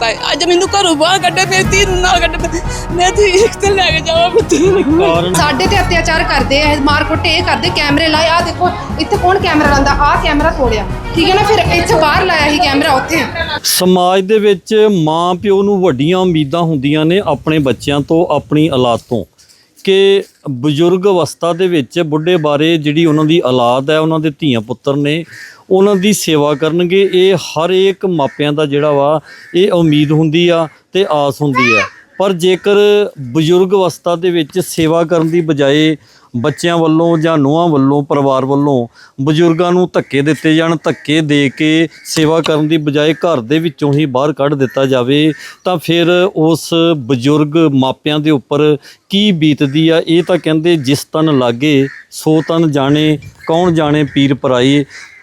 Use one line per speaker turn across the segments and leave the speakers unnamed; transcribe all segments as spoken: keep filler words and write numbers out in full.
ਕੀਤਾ ਹੈ। ਅੱਜ ਮੈਨੂੰ ਘਰੋਂ ਬਾਹਰ ਕੱਢੇ, ਮੇਰੀ ਧੀ ਨੂੰ ਨਾਲ ਕੱਢੇ, ਮੈਂ ਧੀ ਕਿੱਥੇ ਲੈ ਕੇ ਜਾਵਾਂ ਪੁੱਤ।
ਸਾਡੇ ਤੇ ਅਤਿਆਚਾਰ ਕਰਦੇ ਆ, ਮਾਰ ਕੁੱਟ ਇਹ ਕਰਦੇ, ਕੈਮਰੇ ਲਾਏ। ਆ ਦੇਖੋ ਇੱਥੇ ਕੌਣ ਕੈਮਰਾ ਲਾਉਂਦਾ, ਆ ਕੈਮਰਾ ਤੋੜਿਆ, ਠੀਕ ਹੈ ਨਾ। ਫਿਰ ਇੱਥੇ ਬਾਹਰ ਲਾਇਆ ਸੀ ਕੈਮਰਾ, ਉੱਥੇ
ਸਮਾਜ ਦੇ ਵਿੱਚ ਮਾਂ ਪਿਓ ਨੂੰ ਵੱਡੀਆਂ ਉਮੀਦਾਂ ਹੁੰਦੀਆਂ ਨੇ ਆਪਣੇ ਬੱਚਿਆਂ ਤੋਂ, ਆਪਣੀ ਔਲਾਦ ਤੋਂ, ਕਿ ਬਜ਼ੁਰਗ ਅਵਸਥਾ ਦੇ ਵਿੱਚ ਬੁੱਢੇ ਬਾਰੇ ਜਿਹੜੀ ਉਹਨਾਂ ਦੀ ਔਲਾਦ ਹੈ, ਉਹਨਾਂ ਦੇ ਧੀਆਂ ਪੁੱਤਰ ਨੇ, ਉਹਨਾਂ ਦੀ ਸੇਵਾ ਕਰਨਗੇ। ਇਹ ਹਰ ਇੱਕ ਮਾਪਿਆਂ ਦਾ ਜਿਹੜਾ ਵਾ ਇਹ ਉਮੀਦ ਹੁੰਦੀ ਆ ਤੇ ਆਸ ਹੁੰਦੀ ਆ। ਪਰ ਜੇਕਰ ਬਜ਼ੁਰਗ ਅਵਸਥਾ ਦੇ ਵਿੱਚ ਸੇਵਾ ਕਰਨ ਦੀ ਬਜਾਏ ਬੱਚਿਆਂ ਵੱਲੋਂ ਜਾਂ ਨੂੰਹਾਂ ਵੱਲੋਂ, ਪਰਿਵਾਰ ਵੱਲੋਂ ਬਜ਼ੁਰਗਾਂ ਨੂੰ ਧੱਕੇ ਦਿੱਤੇ ਜਾਣ, ਧੱਕੇ ਦੇ ਕੇ ਸੇਵਾ ਕਰਨ ਦੀ ਬਜਾਏ ਘਰ ਦੇ ਵਿੱਚੋਂ ਹੀ ਬਾਹਰ ਕੱਢ ਦਿੱਤਾ ਜਾਵੇ, ਤਾਂ ਫਿਰ ਉਸ ਬਜ਼ੁਰਗ ਮਾਪਿਆਂ ਦੇ ਉੱਪਰ ਕੀ ਬੀਤਦੀ ਆ। ਇਹ ਤਾਂ ਕਹਿੰਦੇ ਜਿਸ ਤਨ ਲਾਗੇ ਸੋ ਤਨ ਜਾਣੇ, ਕੌਣ ਜਾਣੇ ਪੀਰ ਪਰਾਏ।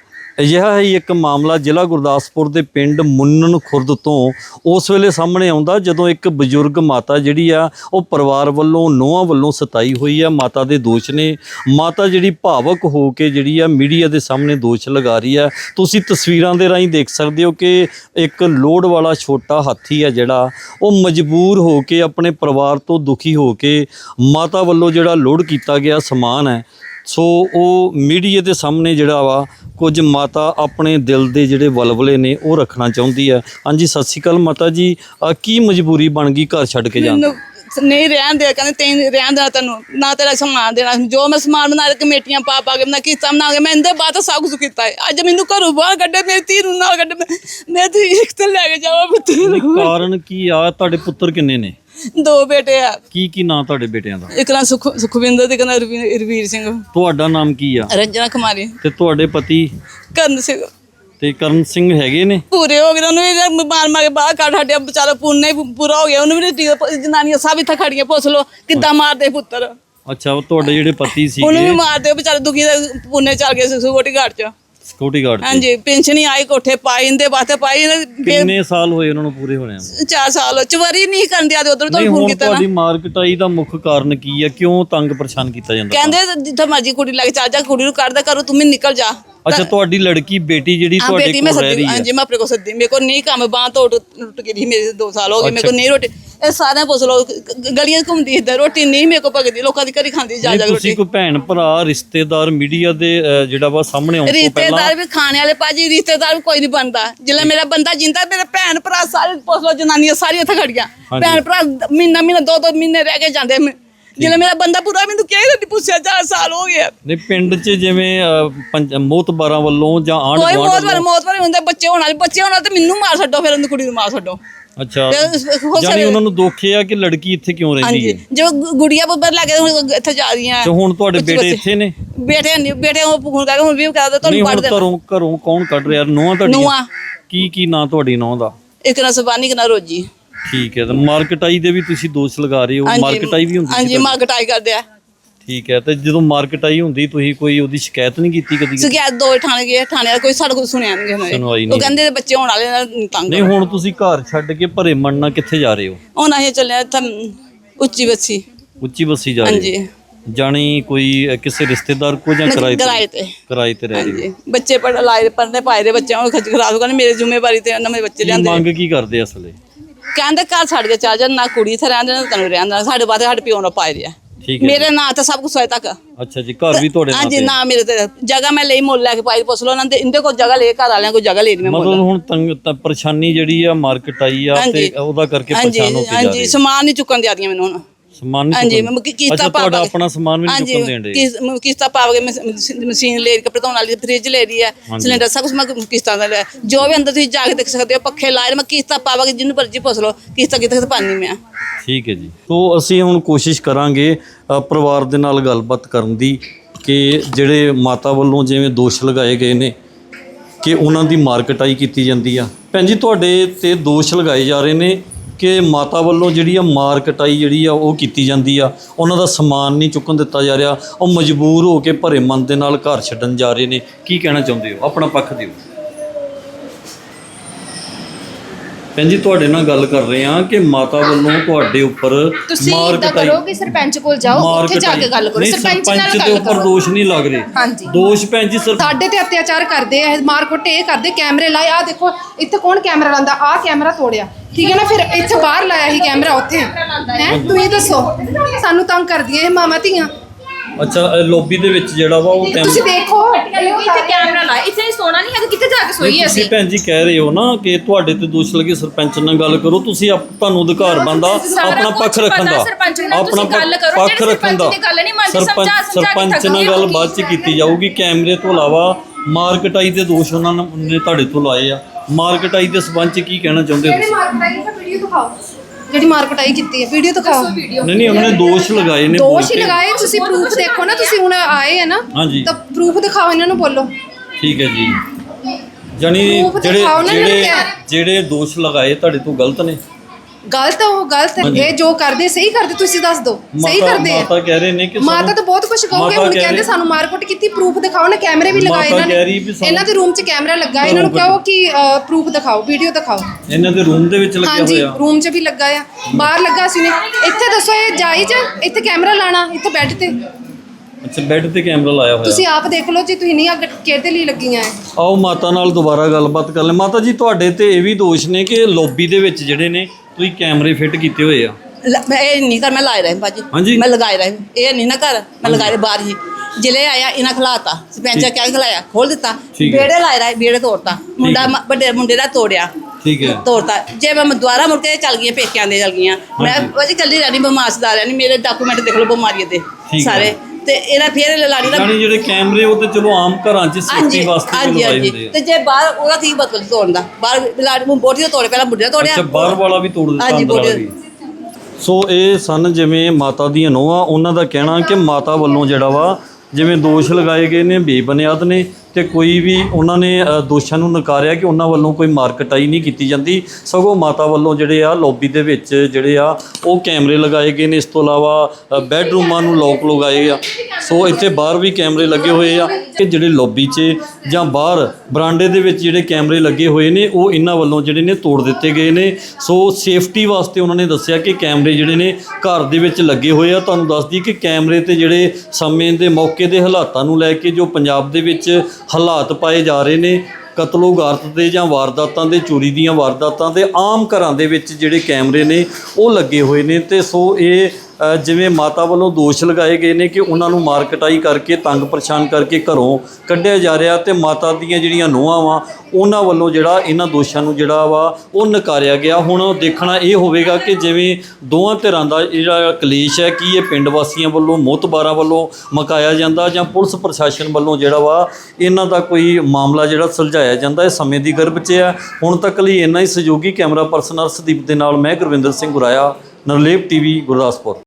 ਅਜਿਹਾ ਹੀ ਇੱਕ ਮਾਮਲਾ ਜ਼ਿਲ੍ਹਾ ਗੁਰਦਾਸਪੁਰ ਦੇ ਪਿੰਡ ਮੁੰਨਣ ਖੁਰਦ ਤੋਂ ਉਸ ਵੇਲੇ ਸਾਹਮਣੇ ਆਉਂਦਾ ਜਦੋਂ ਇੱਕ ਬਜ਼ੁਰਗ ਮਾਤਾ ਜਿਹੜੀ ਆ ਉਹ ਪਰਿਵਾਰ ਵੱਲੋਂ, ਨੂੰਹਾਂ ਵੱਲੋਂ ਸਤਾਈ ਹੋਈ ਆ। ਮਾਤਾ ਦੇ ਦੋਸ਼ ਨੇ, ਮਾਤਾ ਜਿਹੜੀ ਭਾਵਕ ਹੋ ਕੇ ਜਿਹੜੀ ਆ ਮੀਡੀਆ ਦੇ ਸਾਹਮਣੇ ਦੋਸ਼ ਲਗਾ ਰਹੀ ਆ। ਤੁਸੀਂ ਤਸਵੀਰਾਂ ਦੇ ਰਾਹੀਂ ਦੇਖ ਸਕਦੇ ਹੋ ਕਿ ਇੱਕ ਲੋਡ ਵਾਲਾ ਛੋਟਾ ਹਾਥੀ ਆ ਜਿਹੜਾ ਉਹ ਮਜਬੂਰ ਹੋ ਕੇ ਆਪਣੇ ਪਰਿਵਾਰ ਤੋਂ ਦੁਖੀ ਹੋ ਕੇ ਮਾਤਾ ਵੱਲੋਂ ਜਿਹੜਾ ਲੋਡ ਕੀਤਾ ਗਿਆ ਸਮਾਨ ਹੈ, ਸੋ ਉਹ ਮੀਡੀਆ ਦੇ ਸਾਹਮਣੇ ਜਿਹੜਾ ਵਾ ਕੁਝ ਮਾਤਾ ਆਪਣੇ ਦਿਲ ਦੇ ਜਿਹੜੇ ਵਲਵਲੇ ਨੇ ਉਹ ਰੱਖਣਾ ਚਾਹੁੰਦੀ ਹੈ। ਹਾਂਜੀ, ਸਤਿ ਸ਼੍ਰੀ ਅਕਾਲ ਮਾਤਾ ਜੀ। ਆ ਕੀ ਮਜਬੂਰੀ ਬਣ ਗਈ ਘਰ ਛੱਡ ਕੇ ਜਾਣ ਦੀ?
ਨਹੀਂ ਰਹਿਣ ਦੇ, ਕਹਿੰਦੇ ਤੈਨੂੰ ਰਹਿਣ ਦੇਣਾ, ਤੈਨੂੰ ਨਾ ਤੇਰਾ ਸਮਾਨ ਦੇਣਾ, ਜੋ ਮੈਂ ਸਮਾਨ ਬਣਾ ਕੇ ਕਮੇਟੀਆਂ ਪਾ ਪਾ ਕੇ ਮੈਂ ਕੀਤਾ ਬਣਾ ਕੇ, ਮੈਂ ਇਹਦੇ ਬਾਅਦ ਸਭ ਕੁਝ ਕੀਤਾ ਹੈ। ਅੱਜ ਮੈਨੂੰ ਘਰੋਂ ਬਾਹਰ ਕੱਢੇ, ਮੇਰੀ ਧੀ ਨੂੰ ਨਾਲ ਕੱਢੇ, ਮੈਂ ਧੀ ਕਿੱਥੇ ਲੈ ਕੇ ਜਾਵਾਂ ਪੁੱਤ।
ਕਾਰਨ ਕੀ ਆ? ਤੁਹਾਡੇ ਪੁੱਤਰ ਕਿੰਨੇ ਨੇ?
ਦੋ ਬੇਟੇ ਆ।
ਕੀ ਕੀ ਨਾਂ ਤੁਹਾਡੇ ਬੇਟਿਆਂ ਦਾ?
ਇੱਕ ਨਾਂ ਸੁਖ ਸੁਖਵਿੰਦਰ ਤੇ ਇੱਕ ਨਾਂ ਰਵੀ- ਰਵੀਰ ਸਿੰਘ।
ਤੁਹਾਡਾ ਨਾਮ ਕੀ ਆ?
ਰੰਜਨਾ ਕੁਮਾਰੀ।
ਤੇ ਤੁਹਾਡੇ ਪਤੀ?
ਕਰਨ ਸਿੰਘ।
ਤੇ ਕਰਨ ਸਿੰਘ ਹੈਗੇ ਨੇ?
ਪੂਰੇ ਹੋ ਗਏ, ਉਹਨੂੰ ਵੀ ਮਾਰ ਮਾਰ ਕੇ ਬਾਹਰ ਕੱਢ ਹਟਿਆ, ਵਿਚਾਰਾ ਪੁੰਨੇ ਹੀ ਪੂਰਾ ਹੋ ਗਿਆ। ਉਹਨੂੰ ਵੀ ਜਨਾਨੀਆਂ ਸਭ ਇੱਥੇ ਖੜੀਆਂ, ਪੁੱਛ ਲੋ ਕਿੱਦਾਂ ਮਾਰਦੇ ਪੁੱਤਰ।
ਅੱਛਾ, ਉਹ ਤੁਹਾਡੇ ਜਿਹੜੇ ਪਤੀ ਸੀ
ਉਹਨੂੰ ਵੀ ਮਾਰਦੇ, ਵਿਚਾਰੇ ਦੁਖੀ ਪੁੰਨੇ ਚੱਲ ਗਏ ਸਿਕਿਉਰਿਟੀ ਗਾਰਡ ਚ।
Security guard?
ਹਾਂਜੀ, ਪੈਨਸ਼ਨ ਹੀ ਆਈ, ਕੋਠੇ ਪਾਈ, ਇਹਦੇ ਵਾਸਤੇ ਪਾਈ।
ਕਿੰਨੇ ਸਾਲ ਹੋਏ ਉਹਨਾਂ ਨੂੰ ਪੂਰੇ ਹੋਣੇ?
ਚਾਰ ਸਾਲ। ਚਵਾਰੀ ਨਹੀਂ ਕਰਨ ਦਿਆ, ਉਧਰ ਤੋਂ ਫੋਨ ਕੀਤਾ ਨਾ।
ਤੁਹਾਡੀ ਮਾਰਕਟਾਈ ਦਾ ਮੁੱਖ ਕਾਰਨ ਕੀ ਆ? ਕਿਉਂ ਤੰਗ ਪਰੇਸ਼ਾਨ ਕੀਤਾ ਜਾਂਦਾ?
ਕਹਿੰਦੇ ਜਿੱਥੇ ਮਰਜੀ ਕੁੜੀ ਲੱਗ ਚੱਲ ਜਾ, ਕੁੜੀ ਨੂੰ ਕੱਢਦਾ ਕਰੋ, ਤੂੰ ਨਿਕਲ ਜਾ।
ਅੱਛਾ, ਤੁਹਾਡੀ ਲੜਕੀ ਬੇਟੀ ਜਿਹੜੀ ਤੁਹਾਡੇ ਕੋਲ ਰਹਿ ਰਹੀ ਹੈ?
ਹਾਂਜੀ, ਮੈਂ ਆਪਣੇ ਕੋਲ ਸੱਦੀ, ਮੇਰੇ ਕੋਲ ਨਹੀਂ ਕੰਮ, ਬਾਂਹ ਤੋਂ ਟੁੱਟ ਗਈ ਮੇਰੇ, ਦੋ ਸਾਲ ਹੋ ਗਏ ਮੇਰੇ ਕੋਲ ਨਹੀਂ ਰੋਟੀ। ਇਹ ਸਾਰਿਆਂ ਪੁੱਛ ਲਓ, ਗਲੀਆਂ ਘੁੰਮਦੀ ਇੱਧਰ, ਰੋਟੀ ਨਹੀਂ ਮੇਰੇ ਕੋਲ ਪਕਦੀ, ਲੋਕਾਂ ਦੀ ਘਰੀ ਖਾਂਦੀ ਜਾ ਜਾ ਰੋਟੀ।
ਤੁਸੀਂ ਕੋਈ ਭੈਣ ਭਰਾ, ਰਿਸ਼ਤੇਦਾਰ ਮੀਡੀਆ ਦੇ ਜਿਹੜਾ ਵਾ ਸਾਹਮਣੇ ਆਉਣ ਤੋਂ ਪਹਿਲਾਂ?
ਰਿਸ਼ਤੇਦਾਰ ਵੀ ਖਾਣੇ ਵਾਲੇ ਭਾਜੀ, ਰਿਸ਼ਤੇਦਾਰ ਵੀ ਕੋਈ ਨਹੀਂ ਬਣਦਾ। ਜਿੱਲੇ ਮੇਰਾ ਬੰਦਾ ਜਿੰਦਾ, ਮੇਰੇ ਭੈਣ ਭਰਾ ਸਾਰੇ ਪੁੱਛ ਲਓ, ਜਨਾਨੀਆਂ ਸਾਰੀਆਂ ਇੱਥੇ ਖੜੀਆਂ, ਭੈਣ ਭਰਾ ਮਹੀਨਾ ਮਹੀਨਾ ਦੋ ਦੋ ਮਹੀਨੇ ਰਹਿ ਕੇ ਜਾਂਦੇ। ਜਿੱਲੇ ਮੇਰਾ ਬੰਦਾ ਪੂਰਾ, ਮੈਨੂੰ ਕਿਹਾ ਨਹੀਂ ਪੁੱਛਿਆ, ਚਾਰ ਸਾਲ ਹੋ ਗਏ।
ਨਹੀਂ, ਪਿੰਡ 'ਚ ਜਿਵੇਂ ਮੋਤਬਾਰਾਂ ਵੱਲੋਂ ਜਾਂ ਆਂਢ
ਕੋਈ
ਗੁਆਂਢ
ਮੋਤਬਾਰ ਮੋਤਬਾਰ ਹੁੰਦੇ, ਬੱਚੇ ਹੋਣ ਵਾਲੇ, ਬੱਚੇ ਹੋਣ ਵਾਲੇ ਤੇ ਮੈਨੂੰ ਮਾਰ ਛੱਡੋ, ਫਿਰ ਉਹਨੂੰ ਕੁੜੀ ਨੂੰ ਮਾਰ ਛੱਡੋ।
ਅੱਛਾ, ਜਾਨੀ ਉਹਨਾਂ ਨੂੰ ਦੁੱਖ ਹੈ ਕਿ ਲੜਕੀ ਇੱਥੇ ਕਿਉਂ ਰਹਿੰਦੀ ਹੈ?
ਜੋ ਗੁੜੀਆ ਬੱਬਰ ਲੱਗੇ ਇੱਥੇ ਜਾ ਰਹੀਆਂ।
ਤੇ ਹੁਣ ਤੁਹਾਡੇ ਬੇਟੇ ਇੱਥੇ ਨੇ?
ਬੇਟੇ ਨਹੀਂ, ਬੇਟੇ ਉਹ ਫੋਨ ਕਰਕੇ ਹੁਣ ਵੀ ਕਹਿੰਦਾ ਤੁਹਾਨੂੰ ਪੜ੍ਹ ਦੇ।
ਘਰੋਂ ਘਰੋਂ ਕੌਣ ਕੱਢ ਰਿਹਾ? ਨੂੰਹਾਂ ਤੁਹਾਡੀਆਂ?
ਨੂੰਹਾਂ।
ਕੀ ਕੀ ਨਾਂ ਤੁਹਾਡੀ ਨੂੰਹ ਦਾ?
ਇੱਕ ਨਾ ਸਬਾਨੀ, ਇੱਕ ਨਾ ਰੋਜੀ।
ਠੀਕ ਹੈ। ਤੇ ਮਾਰਕਟਾਈ ਦੇ ਵੀ ਤੁਸੀਂ ਦੋਸ਼ ਲਗਾ ਰਹੇ ਹੋ? ਮਾਰਕਟਾਈ ਵੀ ਹੁੰਦੀ?
ਹਾਂਜੀ, ਮਾਰਕਟਾਈ ਕਰਦੇ ਆ।
ਠੀਕ ਹੈ। ਤੇ ਜਦੋਂ ਮਾਰਕਟਾਈ ਹੁੰਦੀ, ਤੁਸੀਂ ਕੋਈ ਉਹਦੀ ਸ਼ਿਕਾਇਤ ਨਹੀਂ ਕੀਤੀ ਕਦੀ?
ਸ਼ਿਕਾਇਤ ਦੋ ਥਾਣੇ ਗਏ, ਥਾਣੇ ਵਾਲਾ ਕੋਈ ਸਾਡੇ ਕੋਲ ਸੁਣਿਆ ਨਹੀਂ। ਉਹ ਕਹਿੰਦੇ ਬੱਚੇ ਹੋਣ ਵਾਲੇ ਨਾਲ ਤੰਗ।
ਨਹੀਂ, ਹੁਣ ਤੁਸੀਂ ਘਰ ਛੱਡ ਕੇ ਭਰੇ ਮਨ ਨਾਲ ਕਿੱਥੇ ਜਾ ਰਹੇ ਹੋ?
ਹੁਣ ਅਸੀਂ ਚੱਲੇ ਇੱਥੇ ਉੱਚੀ ਬੱਸੀ।
ਉੱਚੀ ਬੱਸੀ ਜਾ ਰਹੇ ਹੋ?
ਹਾਂਜੀ।
ਜਾਣੀ ਕੋਈ ਕਿਸੇ ਰਿਸ਼ਤੇਦਾਰ ਕੋ ਜਾਂ ਕਿਰਾਏ ਤੇ?
ਕਿਰਾਏ ਤੇ।
ਕਿਰਾਏ ਤੇ ਰਹਿ ਰਹੇ ਹੋ?
ਬੱਚੇ ਪੜ ਲਾਏ, ਪੜਨੇ ਪਾਏ ਦੇ ਬੱਚਿਆਂ ਨੂੰ ਖਰਾਬ ਕਰਨ, ਮੇਰੀ ਜ਼ਿੰਮੇਵਾਰੀ ਤੇ ਨਵੇਂ ਬੱਚੇ ਲਿਆਂਦੇ।
ਮੰਗ ਕੀ ਕਰਦੇ ਅਸਲੇ?
ਕਹਿੰਦੇ ਘਰ ਛੱਡ ਕੇ ਚਾ ਜਾ, ਨਾ ਕੁੜੀ ਇੱਥੇ ਰਹਿਣ ਦੇਣਾ, ਤੈਨੂੰ ਰਹਿਣ ਦੇਣਾ। ਸਾਡੇ ਬਾਅਦ ਸਾਡੇ ਪਿਓ ਨਾਲ ਪਾਏ ਦੇ ਆ।
ਠੀਕ ਹੈ।
ਮੇਰੇ ਨਾਂ ਤੇ ਸਭ ਕੁਝ ਹੋਏ ਤੱਕ।
ਅੱਛਾ ਜੀ, ਘਰ ਵੀ ਤੁਹਾਡੇ ਨਾਂ ਤੇ?
ਹਾਂਜੀ, ਨਾ ਮੇਰੇ ਤੇ ਜਗ੍ਹਾ ਮੈਂ ਲਈ ਮੁੱਲ ਲੈ ਕੇ ਪਾਈ, ਪੁੱਛ ਲਓ ਉਹਨਾਂ ਦੇ, ਇਹਦੇ ਕੋਲ ਜਗ੍ਹਾ ਲੈ, ਘਰ ਵਾਲਿਆਂ ਕੋਲ ਜਗ੍ਹਾ ਲੈ ਲਈ ਮੈਂ ਮੁੱਲ।
ਮਤਲਬ ਹੁਣ ਤੰਗ ਤਾਂ ਪਰੇਸ਼ਾਨੀ ਜਿਹੜੀ ਆ ਮਾਰਕੀਟ ਆਈ ਆ ਤੇ ਉਹਦਾ ਕਰਕੇ ਪਰੇਸ਼ਾਨ ਹੋ ਕੇ ਜਾ ਰਹੇ?
ਹਾਂਜੀ, ਸਮਾਨ ਨਹੀਂ ਚੁੱਕਣ ਦਿਆਦੀਆਂ ਮੈਨੂੰ ਹੁਣ।
ਸਮਾਨ ਨਹੀਂ?
ਹਾਂਜੀ, ਮੈਂ ਕਿਸ਼ਤਾਂ ਪਾ
ਤੁਹਾਡਾ ਆਪਣਾ ਸਮਾਨ ਵੀ ਨਹੀਂ ਚੁੱਕਣ ਦੇਣ ਦੇ?
ਹਾਂਜੀ, ਕਿਸ਼ਤਾਂ ਪਾ ਕੇ ਮਸ਼ੀਨ ਲੈ, ਕੱਪੜੇ ਧੋਣ ਵਾਲੀ ਫ੍ਰਿਜ ਲੈ ਰਹੀ ਹੈ, ਸਿਲੰਡਰ ਸਭ ਕੁਝ ਮੈਂ ਕਿਸ਼ਤਾਂ ਦਾ ਲਿਆ। ਜੋ ਵੀ ਅੰਦਰ ਤੁਸੀਂ ਜਾ ਕੇ ਦੇਖ ਸਕਦੇ ਹੋ, ਪੱਖੇ ਲਾਏ ਮੈਂ ਕਿਸ਼ਤਾਂ ਪਾਵਾਂ ਕਿ ਜਿਹਨੂੰ ਮਰਜ਼ੀ ਪੁੱਛ ਲਓ, ਕਿਸ਼ਤਾਂ ਕਿਤੇ ਕਿਤੇ ਪਾਣੀ ਮੈਂ।
ਠੀਕ ਹੈ ਜੀ। ਸੋ ਅਸੀਂ ਹੁਣ ਕੋਸ਼ਿਸ਼ ਕਰਾਂਗੇ ਪਰਿਵਾਰ ਦੇ ਨਾਲ ਗੱਲਬਾਤ ਕਰਨ ਦੀ ਕਿ ਜਿਹੜੇ ਮਾਤਾ ਵੱਲੋਂ ਜਿਵੇਂ ਦੋਸ਼ ਲਗਾਏ ਗਏ ਨੇ ਕਿ ਉਹਨਾਂ ਦੀ ਮਾਰਕਟਾਈ ਕੀਤੀ ਜਾਂਦੀ ਆ। ਭੈਣ ਜੀ, ਤੁਹਾਡੇ ਤੇ ਦੋਸ਼ ਲਗਾਏ ਜਾ ਰਹੇ ਨੇ ਕਿ ਮਾਤਾ ਵੱਲੋਂ ਜਿਹੜੀ ਆ ਮਾਰਕਟਾਈ ਜਿਹੜੀ ਆ ਉਹ ਕੀਤੀ ਜਾਂਦੀ ਆ, ਉਹਨਾਂ ਦਾ ਸਮਾਨ ਨਹੀਂ ਚੁੱਕਣ ਦਿੱਤਾ ਜਾ ਰਿਹਾ, ਉਹ ਮਜਬੂਰ ਹੋ ਕੇ ਭਰੇ ਮਨ ਦੇ ਨਾਲ ਘਰ ਛੱਡਣ ਜਾ ਰਹੇ ਨੇ। ਕੀ ਕਹਿਣਾ ਚਾਹੁੰਦੇ ਹੋ? ਆਪਣਾ ਪੱਖ ਦਿਓ। ਭੈਣ ਜੀ, ਤੁਹਾਡੇ ਨਾਲ ਗੱਲ ਕਰ ਰਹੇ ਹਾਂ ਕਿ ਮਾਤਾ ਵੱਲੋਂ ਤੁਹਾਡੇ ਉੱਪਰ
ਤੁਸੀਂ ਇਦਾਂ ਕਰੋ ਕਿ ਸਰਪੰਚ ਕੋਲ ਜਾਓ, ਉੱਥੇ ਜਾ ਕੇ ਗੱਲ ਕਰੋ, ਸਰਪੰਚ ਨਾਲ ਗੱਲ ਕਰੋ।
ਦੇ ਉੱਪਰ ਦੋਸ਼ ਨਹੀਂ ਲੱਗ ਰਹੇ।
ਹਾਂਜੀ,
ਦੋਸ਼ ਭੈਣ ਜੀ ਸਰ
ਸਾਡੇ ਤੇ ਅਤਿਆਚਾਰ ਕਰਦੇ ਆ, ਮਾਰ ਕੁੱਟ ਇਹ ਕਰਦੇ, ਕੈਮਰੇ ਲਾਏ। ਆ ਦੇਖੋ ਇੱਥੇ ਕੌਣ ਕੈਮਰਾ ਲਾਉਂਦਾ, ਆ ਕੈਮਰਾ ਤੋੜਿਆ, ਠੀਕ ਹੈ ਨਾ। ਫਿਰ ਇੱਥੇ ਬਾਹਰ ਲਾਇਆ ਸੀ ਕੈਮਰਾ ਉੱਥੇ ਹੈ। ਤੁਸੀਂ ਦੱਸੋ ਸਾਨੂੰ ਤੰਗ ਕਰਦੀਆਂ ਇਹ ਮਾਵਾਂ ਧੀਆਂ।
ਅੱਛਾ ਲੌਬੀ ਦੇ ਵਿੱਚ ਜਿਹੜਾ ਵਾ ਉਹ
ਤੁਸੀਂ ਦੇਖੋ
ਇੱਥੇ ਕੈਮਰਾ ਲਾਇਆ, ਇੱਥੇ ਸੋਣਾ ਨਹੀਂ ਹੈ, ਕਿੱਥੇ ਜਾ ਕੇ ਸੋਈਏ ਅਸੀਂ।
ਤੁਸੀਂ ਭੈਣ ਜੀ ਕਹਿ ਰਹੇ ਹੋ ਨਾ ਕਿ ਤੁਹਾਡੇ ਤੇ ਦੋਸ਼ ਲੱਗੇ, ਸਰਪੰਚ ਨਾਲ ਗੱਲ ਕਰੋ। ਤੁਸੀਂ ਆਪ- ਤੁਹਾਨੂੰ ਅਧਿਕਾਰ ਬਣਦਾ ਆਪਣਾ ਪੱਖ ਰੱਖਣ ਦਾ, ਆਪਣਾ ਪੱਖ ਰੱਖਣ ਦਾ। ਸਰਪੰਚ ਸਰਪੰਚ ਨਾਲ ਗੱਲ ਬਾਅਦ ਚ ਕੀਤੀ ਜਾਊਗੀ। ਕੈਮਰੇ ਤੋਂ ਇਲਾਵਾ ਮਾਰਕਟਾਈ ਦੇ ਦੋਸ਼ ਉਹਨਾਂ ਨੇ ਤੁਹਾਡੇ ਤੋਂ ਲਾਏ ਆ। ਮਾਰਕਟਾਈ ਦੇ ਸਬੰਧ ਚ ਕੀ ਕਹਿਣਾ ਚਾਹੁੰਦੇ ਹੋ ਤੁਸੀਂ?
ਵੀਡੀਓ ਦਿਖਾਓ ਜਿਹੜੀ ਮਾਰਕਟਾਈ ਕੀਤੀ ਹੈ, ਵੀਡੀਓ ਦਿਖਾਓ।
ਨਹੀਂ ਨਹੀਂ ਉਹਨਾਂ ਨੇ ਦੋਸ਼ ਲਗਾਏ ਨੇ,
ਦੋਸ਼ ਹੀ ਲਗਾਏ। ਤੁਸੀਂ ਪ੍ਰੂਫ ਦੇਖੋ ਨਾ, ਤੁਸੀਂ ਹੁਣ ਆਏ ਹੈ ਨਾ
ਹਾਂਜੀ
ਤਾਂ ਪ੍ਰੂਫ ਦਿਖਾਓ ਇਹਨਾਂ ਨੂੰ, ਬੋਲੋ।
ਠੀਕ ਹੈ ਜੀ। ਜਾਨੀ
Proof
ਜਿਹੜੇ
ਦਿਖਾਓ ਨਾ ਇਹਨਾਂ ਨੂੰ
ਜਿਹੜੇ
ਕਿਆ।
ਜਿਹੜੇ ਦੋਸ਼ ਲਗਾਏ ਤੁਹਾਡੇ ਤੋਂ ਗਲਤ ਨੇ।
ਗਲਤ ਉਹ ਗਲਤ ਹੈ। ਇਹ ਜੋ ਕਰਦੇ ਸਹੀ ਕਰਦੇ, ਤੁਸੀਂ ਦੱਸ ਦਿਓ ਸਹੀ
ਮਾਤਾ-
ਕਰਦੇ ਆ।
ਮਾਤਾ ਕਹਿ ਰਹੇ ਨੇ ਕਿ
ਮਾਤਾ
ਸਾਨੂੰ-
ਤਾਂ ਬਹੁਤ ਕੁਝ ਕਹੋਗੇ।
ਮਾਤਾ
ਹੁਣ
ਕਹਿ
ਕਹਿੰਦੇ
ਰਹੇ-
ਸਾਨੂੰ ਮਾਰਕੁੱਟ ਕੀਤੀ, ਪ੍ਰੂਫ ਦਿਖਾਓ ਨਾ। ਕੈਮਰੇ ਵੀ ਲਗਾਏ
ਮਾਤਾ
ਇਹਨਾਂ
ਕਹਿ ਰਹੀ ਵੀ
ਨੇ,
ਸਾਨੂੰ-
ਇਹਨਾਂ ਦੇ ਰੂਮ 'ਚ ਕੈਮਰਾ ਲੱਗਾ। ਇਹਨਾਂ ਨੂੰ ਕਹੋ ਕਿ ਪ੍ਰੂਫ ਦਿਖਾਓ, ਵੀਡੀਓ ਦਿਖਾਓ।
ਇਹਨਾਂ ਦੇ ਰੂਮ ਦੇ ਵਿੱਚ ਲੱਗਿਆ
ਹਾਂਜੀ
ਹੋਇਆ।
ਰੂਮ 'ਚ ਵੀ ਲੱਗਾ ਆ, ਬਾਹਰ ਲੱਗਾ ਸੀ ਨੇ। ਇੱਥੇ ਦੱਸੋ ਇਹ ਜਾਇਜ਼ ਹੈ ਇੱਥੇ ਕੈਮਰਾ ਲਾਣਾ, ਇੱਥੇ ਬੈੱਡ ਤੇ?
ਅੱਛਾ ਬੈੱਡ ਤੇ ਕੈਮਰਾ ਲਾਇਆ ਹੋਇਆ।
ਤੁਸੀਂ ਆਪ ਦੇਖ ਲਓ ਜੀ, ਤੁਸੀਂ ਨਹੀਂ ਅੱਗੇ ਕਿਹਦੇ ਲਈ ਲੱਗੀਆਂ ਹੈ।
ਆਓ ਮਾਤਾ ਨਾਲ ਦੁਬਾਰਾ ਗੱਲਬਾਤ ਕਰ ਲੈ। ਮਾਤਾ ਜੀ ਤੁਹਾਡੇ ਤੇ ਇਹ ਵੀ ਦੋਸ਼ ਨੇ ਕਿ ਲੌਬੀ ਦੇ ਵਿੱਚ ਜਿਹੜੇ ਨੇ ਤੁਸੀਂ ਕੈਮਰੇ ਫਿੱਟ ਕੀਤੇ ਹੋਏ ਆ।
ਲ- ਮੈਂ ਇਹ ਨਹੀਂ ਕਰ, ਮੈਂ ਲਾਏ ਰਹੇ
ਹਾਂਜੀ।
ਭਾਜੀ, ਮੈਂ ਲਗਾਏ ਰਹੇ। ਇਹ ਨਹੀਂ ਨਾ ਕਰ, ਮੈਂ ਲਗਾਏ ਰਹੇ ਬਾਹਰ ਹੀ। ਜ਼ਿਲ੍ਹੇ ਆਇਆ ਇਹਨਾਂ ਖਲਾਤਾ, ਸਰਪੰਚ ਕਹਿ ਖਲਾਇਆ, ਖੋਲ ਦਿੱਤਾ।
ਠੀਕ ਹੈ।
ਬੇੜੇ ਲਾਏ ਰਹੇ, ਬੇੜੇ ਤੋੜਤਾ। ਮੁੰਡਾ ਮ- ਵੱਡੇ ਮੁੰਡੇ ਦਾ ਤੋੜਿਆ,
ਠੀਕ ਹੈ।
ਤੋੜਤਾ। ਜੇ ਮੈਂ ਦੁਬਾਰਾ ਮੁੜ ਕੇ ਚੱਲ ਗਈਆਂ ਪੇਕਿਆਂ ਦੇ ਚੱਲ ਗਈਆਂ, ਮੈਂ ਭਾਜੀ ਕੱਲੀ ਰਹਿਣੀ, ਬਿਮਾਰਦਾਰ ਰਹਿਣੀ। ਮੇਰੇ ਡਾਕੂਮੈਂਟ ਦੇਖ ਲਓ ਬਿਮਾਰੀਆਂ ਦੇ
ਹੈ।
ਸਾਰੇ। ਤੇ ਇਹਨਾਂ ਫੇਰ ਲਾੜੀ ਦਾ
ਜਾਨੀ ਜਿਹੜੇ ਕੈਮਰੇ ਉਹ ਤੇ ਚਲੋ ਆਮ ਘਰਾਂ 'ਚ ਸੇਫਟੀ
ਹਾਂਜੀ
ਵਾਸਤੇ
ਹਾਂਜੀ
ਲਗਾਏ
ਹਾਂਜੀ।
ਹੁੰਦੇ ਆ।
ਤੇ ਜੇ ਬਾਹਰ ਉਹਦਾ ਕੀ ਮਤਲਬ ਤੋੜਨ ਦਾ? ਬਾਹਰ ਲਾੜੀ ਨੂੰ ਬੋਟੀ ਤੋਂ ਤੋੜੇ, ਪਹਿਲਾਂ ਮੁੰਡੇ ਦਾ ਤੋੜਿਆ।
ਅੱਛਾ ਬਾਹਰ ਵਾਲਾ ਵੀ ਤੋੜ ਦਿੱਤਾ,
ਹਾਂਜੀ,
ਅੰਦਰ ਵਾਲਾ
ਬੋਡੀ-
ਵੀ। ਸੋ ਇਹ ਸਨ ਜਿਵੇਂ ਮਾਤਾ ਦੀਆਂ ਨੋਹਾਂ, ਉਹਨਾਂ ਦਾ ਕਹਿਣਾ ਕਿ ਮਾਤਾ ਵੱਲੋਂ ਜਿਹੜਾ ਵਾ ਜਿਵੇਂ ਦੋਸ਼ ਲਗਾਏ ਗਏ ਨੇ ਬੇਬੁਨਿਆਦ ਨੇ ਤੇ ਕੋਈ ਵੀ ਉਹਨਾਂ ਨੇ ਅ, ਦੋਸ਼ਾਂ ਨੂੰ ਨਕਾਰਿਆ ਕਿ ਉਹਨਾਂ ਵੱਲੋਂ ਕੋਈ ਮਾਰਕਟਾਈ ਨਹੀਂ ਕੀਤੀ ਜਾਂਦੀ। ਸਗੋਂ ਮਾਤਾ ਵੱਲੋਂ ਜਿਹੜੇ ਆ ਲੌਬੀ ਦੇ ਵਿੱਚ ਜਿਹੜੇ ਆ ਉਹ ਕੈਮਰੇ ਲਗਾਏ ਗਏ ਨੇ। ਇਸ ਤੋਂ ਇਲਾਵਾ ਬੈੱਡਰੂਮਾਂ ਨੂੰ ਲੋਕ ਲਗਾਏ ਆ। ਸੋ ਇੱਥੇ ਬਾਹਰ ਵੀ ਕੈਮਰੇ ਲੱਗੇ ਹੋਏ ਆ ਕਿ ਜਿਹੜੇ ਲੌਬੀ 'ਚ ਜਾਂ ਬਾਹਰ ਬਰਾਂਡੇ ਦੇ ਵਿੱਚ ਜਿਹੜੇ ਕੈਮਰੇ ਲੱਗੇ ਹੋਏ ਨੇ ਉਹ ਇਹਨਾਂ ਵੱਲੋਂ ਜਿਹੜੇ ਨੇ ਤੋੜ ਦਿੱਤੇ ਗਏ ਨੇ। ਸੋ ਸੇਫਟੀ ਵਾਸਤੇ ਉਹਨਾਂ ਨੇ ਦੱਸਿਆ ਕਿ ਕੈਮਰੇ ਜਿਹੜੇ ਨੇ ਘਰ ਦੇ ਵਿੱਚ ਲੱਗੇ ਹੋਏ ਆ। ਤੁਹਾਨੂੰ ਦੱਸ ਦਈਏ ਕਿ ਕੈਮਰੇ ਤੇ ਜਿਹੜੇ ਸਮੇਂ ਦੇ ਮੌਕੇ ਦੇ ਹਾਲਾਤਾਂ ਨੂੰ ਲੈ ਕੇ ਜੋ ਪੰਜਾਬ ਦੇ ਵਿੱਚ ਹਾਲਾਤ ਪਾਏ ਜਾ ਰਹੇ ਨੇ, ਕਤਲੋ ਗਾਰਤ ਦੇ ਜਾਂ ਵਾਰਦਾਤਾਂ ਦੇ, ਚੋਰੀ ਦੀਆਂ ਵਾਰਦਾਤਾਂ ਦੇ, ਆਮ ਘਰਾਂ ਦੇ ਵਿੱਚ ਜਿਹੜੇ ਕੈਮਰੇ ਨੇ ਉਹ ਲੱਗੇ ਹੋਏ ਨੇ। ਤੇ ਸੋ ਇਹ ਅ, ਜਿਵੇਂ ਮਾਤਾ ਵੱਲੋਂ ਦੋਸ਼ ਲਗਾਏ ਗਏ ਨੇ ਕਿ ਉਹਨਾਂ ਨੂੰ ਮਾਰਕਟਾਈ ਕਰਕੇ ਤੰਗ ਪਰੇਸ਼ਾਨ ਕਰਕੇ ਘਰੋਂ ਕੱਢਿਆ ਜਾ ਰਿਹਾ ਤੇ ਮਾਤਾ ਦੀਆਂ ਜਿਹੜੀਆਂ ਨੂੰਹਾਂ ਵਾ ਉਹਨਾਂ ਵੱਲੋਂ ਜਿਹੜਾ ਇਹਨਾਂ ਦੋਸ਼ਾਂ ਨੂੰ ਜਿਹੜਾ ਵਾ ਉਹ ਨਕਾਰਿਆ ਗਿਆ। ਹੁਣ ਦੇਖਣਾ ਇਹ ਹੋਵੇਗਾ ਕਿ ਜਿਵੇਂ ਦੋਵਾਂ ਧਿਰਾਂ ਦਾ ਜਿਹੜਾ ਕਲੇਸ਼ ਹੈ ਕੀ ਇਹ ਪਿੰਡ ਵਾਸੀਆਂ ਵੱਲੋਂ ਮੋਹਤਬਾਰਾਂ ਵੱਲੋਂ ਮਕਾਇਆ ਜਾਂਦਾ ਜਾਂ ਪੁਲਿਸ ਪ੍ਰਸ਼ਾਸਨ ਵੱਲੋਂ ਜਿਹੜਾ ਵਾ ਇਹਨਾਂ ਦਾ ਕੋਈ ਮਾਮਲਾ ਜਿਹੜਾ ਸੁਲਝਾਇਆ ਜਾਂਦਾ। ਇਹ ਸਮੇਂ ਦੀ ਗਰਭ 'ਚ ਹੈ। ਹੁਣ ਤੱਕ ਲਈ ਇੰਨਾ ਹੀ। ਸਹਿਯੋਗੀ ਕੈਮਰਾ ਪਰਸਨ ਅਰਸ਼ਦੀਪ ਦੇ ਨਾਲ ਮੈਂ ਗੁਰਵਿੰਦਰ ਸਿੰਘ ਗੁਰਾਇਆ, ਨਰਲੇਪ ਟੀਵੀ ਗੁਰਦਾਸਪੁਰ।